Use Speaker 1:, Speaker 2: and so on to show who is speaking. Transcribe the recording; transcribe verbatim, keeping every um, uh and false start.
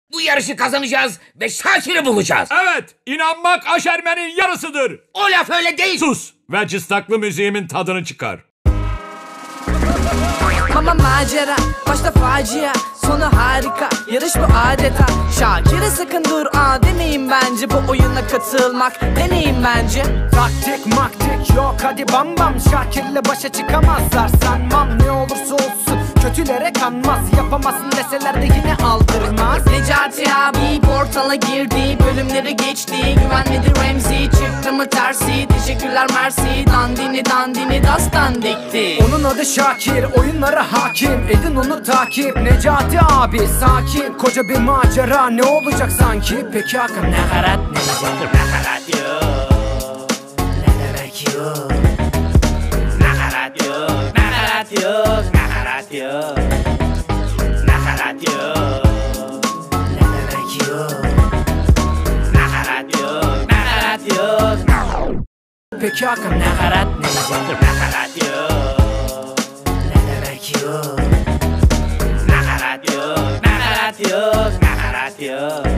Speaker 1: Bu yarışı kazanacağız ve Şakir'i bulacağız.
Speaker 2: Evet, inanmak aşermenin yarısıdır.
Speaker 1: O laf öyle değil.
Speaker 2: Sus ve cıstaklı müziğimin tadını çıkar.
Speaker 3: Mama macera, başta facia, sonu harika, yarış bu adeta. Şakir'e sakın dur aa demeyin bence, bu oyuna katılmak deneyin bence.
Speaker 4: Taktik maktik yok hadi bam bam, Şakir'le başa çıkamazlar sanmam. Ne olursa olsun kötülere kanmaz, yapamazsın deseler de yine aldırmaz.
Speaker 3: Necati abi portala girdi, bölümleri geçti, güvenmedi Remzi, çıktı mı tersi, teşekkürler mersi, dandini dandini dastan dikti.
Speaker 4: Onun adı Şakir, oyunlara hakim, edin onu takip. Necati abi sakin, koca bir macera, ne olacak sanki? Peki Hakan nakarat ne diyecek?
Speaker 3: Nakarat yok, ne demek yok? Nakarat yok, nakarat yok, nakarat yok, nakarat yok, ne demek yok? Nakarat yok, nakarat yok.
Speaker 4: Peki Hakan nakarat ne diyecek?
Speaker 3: Nakarat yok, ne demek yok? Nakarat yok, nakarat yok, nakarat yok.